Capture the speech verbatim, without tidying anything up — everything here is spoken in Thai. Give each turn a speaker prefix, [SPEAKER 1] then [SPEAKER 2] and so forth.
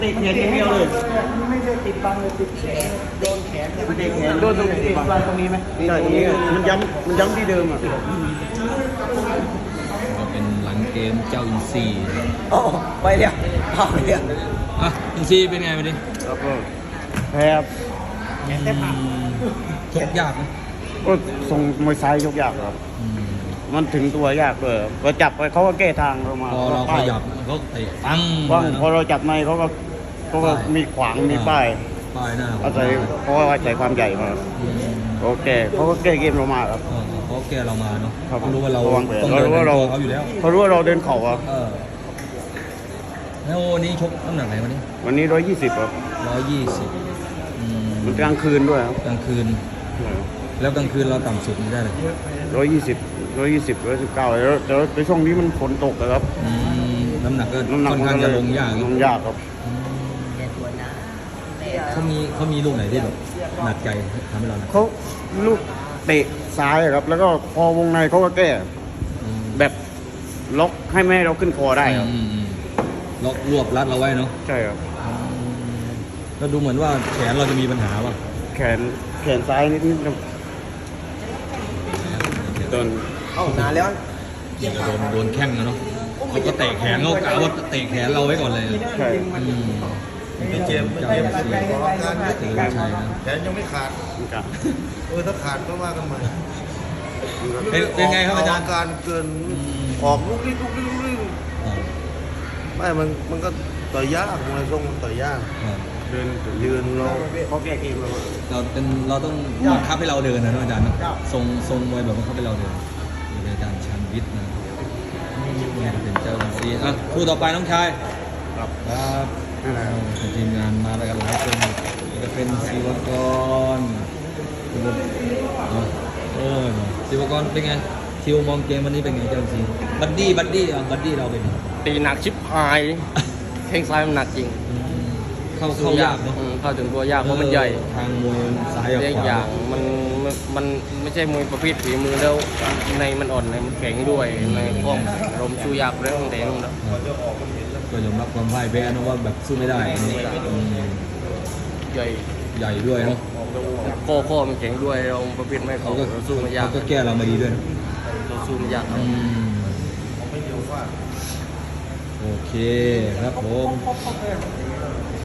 [SPEAKER 1] ติดแขนอย่างเดียวเลย
[SPEAKER 2] ไม่ได้ติดบังเลยติดแขนโดนแขน
[SPEAKER 1] มันติดแขน
[SPEAKER 2] โดนตรงติดบังตรงนี้ไหม
[SPEAKER 1] ใช่ตรงนี้มันย้ำมันย้ำที่เดิมอ่ะ
[SPEAKER 3] ก็เป็นหลังเกมเจ้าอินซีย์
[SPEAKER 2] โอ้ไปเรียกเอาเรียก
[SPEAKER 3] อ่ะอินซีย์เป็นไงวันนี้
[SPEAKER 1] แล้วก็แพ้ครับ
[SPEAKER 3] ชกยากไหม
[SPEAKER 1] ก็ส่งมวยซ้ายยกยากครับ
[SPEAKER 3] อืม
[SPEAKER 1] มันถึงตัวยากเลยพอจับไปเขาก็แก้ทางเรามา
[SPEAKER 3] พอเราขยับเขาเตะปัง
[SPEAKER 1] ว่าง
[SPEAKER 3] เลยนะ
[SPEAKER 1] พอเราจับในเขาก็เขาก็มีขวางมีป้าย
[SPEAKER 3] ป้ายหน้า
[SPEAKER 1] อาศัยเพราะว่าอาศัยความใหญ่มา
[SPEAKER 3] อืม
[SPEAKER 1] โอเคเขาก็แก้เกมเรามาครับ
[SPEAKER 3] เออเขาแก้เรามาเนาะ
[SPEAKER 1] ครับ
[SPEAKER 3] เขารู้ว่าเรา
[SPEAKER 1] วางแผน
[SPEAKER 3] ต้อง
[SPEAKER 1] เรา
[SPEAKER 3] เดิน
[SPEAKER 1] รู้ว่าเรา
[SPEAKER 3] ตัวเขาอยู่แล้ว
[SPEAKER 1] เขารู้ว่าเราเดินเข่าครับ
[SPEAKER 3] เออแล้ววันนี้ชกน้ำหนักไหนวันนี้
[SPEAKER 1] วันนี้ร้อยยี่สิบครับ
[SPEAKER 3] ร้อยยี่สิบ
[SPEAKER 1] มันกลางคืนด้วยครับ
[SPEAKER 3] กลางคืน แล้วกลางคืนเราต่ำสุดไม่ได้เลย
[SPEAKER 1] ร้อยยี่สิบร้อยยี่สิบร้อยสิบเก้าแล้วแต่ในช่วงนี้มันฝนตกอะครับ
[SPEAKER 3] อืมน้ำหนักก็
[SPEAKER 1] น้ำหนัก
[SPEAKER 3] ค่อนข้างจะลงยาก
[SPEAKER 1] ลงยากครับ
[SPEAKER 3] เขามีเขามีลูกไหนที่แบบหนักใจทำให้เราหนัก
[SPEAKER 1] เขาลูกเตะซ้ายอะครับ แล้วก็พอวงในเขาก็แก้
[SPEAKER 3] อืม
[SPEAKER 1] แบบล็อกให้ไม่ให้เราขึ้นคอได้ครับ
[SPEAKER 3] อืมอืมล็อกรวบรัดเราไว้เนาะ
[SPEAKER 1] ใช่ครับ
[SPEAKER 3] แล้วดูเหมือนว่าแขนเราจะมีปัญหาป่ะ
[SPEAKER 1] แขนแขนซ้ายนิดนิดโดน
[SPEAKER 2] เข้านานแล้ว
[SPEAKER 3] โดนโดนแข้งนะเนาะเขาก็เตะแขนเขากะว่าเตะแขนเราไว้ก่อนเลย
[SPEAKER 1] ใช่
[SPEAKER 3] อืม
[SPEAKER 4] ไม่เจ็บไม่
[SPEAKER 3] เจ้า
[SPEAKER 4] เจ็บ
[SPEAKER 3] เสีย
[SPEAKER 4] ขออาการ
[SPEAKER 3] เตือนชัยนะ
[SPEAKER 4] แขนยังไม่ขาด
[SPEAKER 1] มันกะ
[SPEAKER 4] เออถ้าขาดก็ว่ากันใหม่
[SPEAKER 3] เป็นเป็นไงครับอาจารย์
[SPEAKER 4] การเกิน
[SPEAKER 3] อืม
[SPEAKER 4] ออกลุกลี้ลุกลี้ลุกลี้
[SPEAKER 3] อ่า
[SPEAKER 4] ไม่มันมันก็ต่อยยากมวยทรงมันต่อยยาก
[SPEAKER 3] อ่า
[SPEAKER 1] เดิน
[SPEAKER 4] ยืนเรา
[SPEAKER 1] เขาแก้เกมเรา
[SPEAKER 3] เราเป็นเราต้องบังคับให้เราเดินนะเนอะอาจารย์เนอะทรงทรงมวยแบบบังคับให้เราเดินนี่เป็นอาจารย์ชันวิทย์นะนี่เป็นเจ้าหน้าที่อ่ะคู่ต่อไปน้องชาย
[SPEAKER 1] ครับ
[SPEAKER 3] ครับ
[SPEAKER 1] นั่นแหละครับ
[SPEAKER 3] ทีมงานมาแล้วกันหลายคนจะเป็นศิวกรเอาเออศิวกรเป็นไงทิวมองเกมวันนี้เป็นไงเจ้าซีบัดดี้บัดดี้อ่ะบัดดี้เราเป็นไง
[SPEAKER 5] ตีหนักชิบหายแข้งซ้ายมันหนักจริง
[SPEAKER 3] อืมเข้าเข้ายากเนาะ
[SPEAKER 5] อืมเข้าถึงตัวยากเพราะมันใหญ่
[SPEAKER 3] ทางมวยซ้ายกับ
[SPEAKER 5] เรียก
[SPEAKER 3] ขวา
[SPEAKER 5] อย่างมันมันมันไม่ใช่มวยประเภทฝีมือแล้วในมันอ่อนในมันแข็งด้วยในข้องลมสู้ยากเรื่องแต่นู่นนะ
[SPEAKER 3] ก็ยอมรับความพ่ายแพ้นะว่าแบบสู้ไม่ได้นี่อืม
[SPEAKER 5] ใหญ่
[SPEAKER 3] ใหญ่ด้วยเนาะ
[SPEAKER 5] ข้อข้อมันแข็งด้วยเราประเภทไม่
[SPEAKER 3] เขา
[SPEAKER 5] เขา
[SPEAKER 3] ก็
[SPEAKER 5] เราสู้มันยาก
[SPEAKER 3] เขาก็แก้เรามาดีด้วยนะ
[SPEAKER 5] เราสู้มันยากครับ
[SPEAKER 3] อืมโอเคครับผม